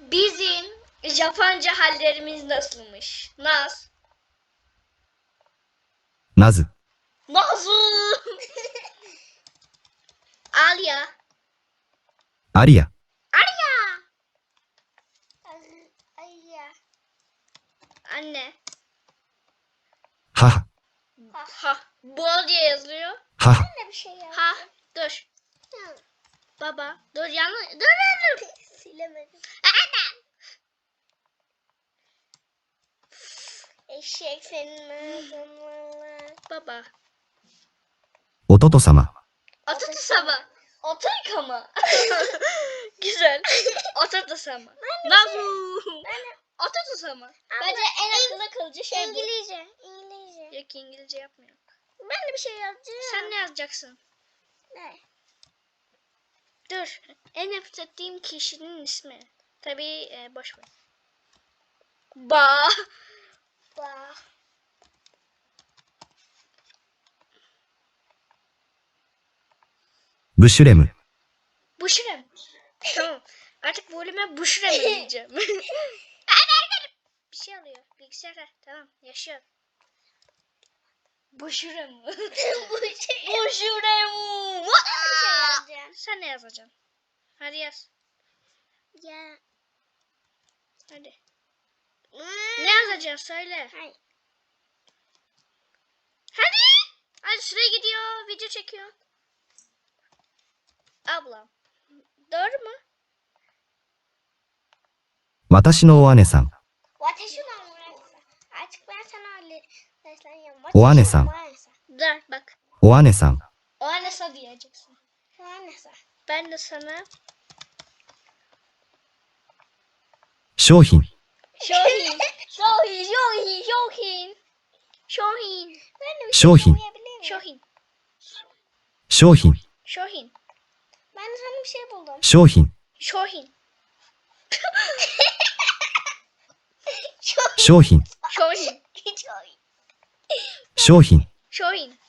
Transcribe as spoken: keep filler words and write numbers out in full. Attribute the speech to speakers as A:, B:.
A: Bizim Japonca hallerimiz nasılmış? Naz.
B: なず、
A: Nazu. Alya.
B: アリア、
A: Alya. Alya. Anne.
B: 母、
A: Ha. Bol diye yazılıyor.
B: 母、
A: Ne bir şey ya? Ha. Dur. Baba. Dur yanlış. Dur dur dur. Silemedim. Anne. Eşek senin ağzın. Baba.
B: 弟様、
A: Ototusama. Otoyıkama. Güzel. Ototusama. Nazu. Ototusama. Bence en akıllı kılıcı şey bu.
C: İngilizce. İngilizce.
A: Yok İngilizce yapmıyor.
C: Ben de bir şey yazacağım.
A: Sen ne yazacaksın?
C: Ne?
A: Dur. En nefret ettiğim kişinin ismi. Tabii e, boş ver. Ba.
C: Bak.
B: ブシュレム、
A: Buşrem. Tamam. Artık volüme Buşrem diyeceğim. Bir şey alıyor. Bilgisayara. Tamam. Yaşıyor. Buşrem. Buşrem.
C: yazacağım.
A: Sen ne yazacaksın? Hadi yaz.
C: Ya.
A: Hadi. Ne yazacaksın? Söyle.
C: Hayır.
A: Hadi. Hadi süre gidiyor. Video çekiyor. Ablam. Doğru mu?
B: 私のお姉さん、
C: Ateşin olmuyor. Artık ben sana öyle sesleniyorum.
B: O anne sen.
A: Dur bak.
B: お姉さん、
A: O annesi diyeceksin.
C: O anne sen.
A: Ben de sana
B: 商品、
A: Şohin. Şohin. Şohin. Şohin. Şohin.
C: Ben de bir
B: Şohin.
C: şey okuyabilir miyim?
A: Şohin.
B: 商品、
A: Şohin.
C: Ben de sana bir şey buldum.
B: 商品、
A: Şohin.
B: 商品、
A: Şohin.
B: 商品、
A: Şohin.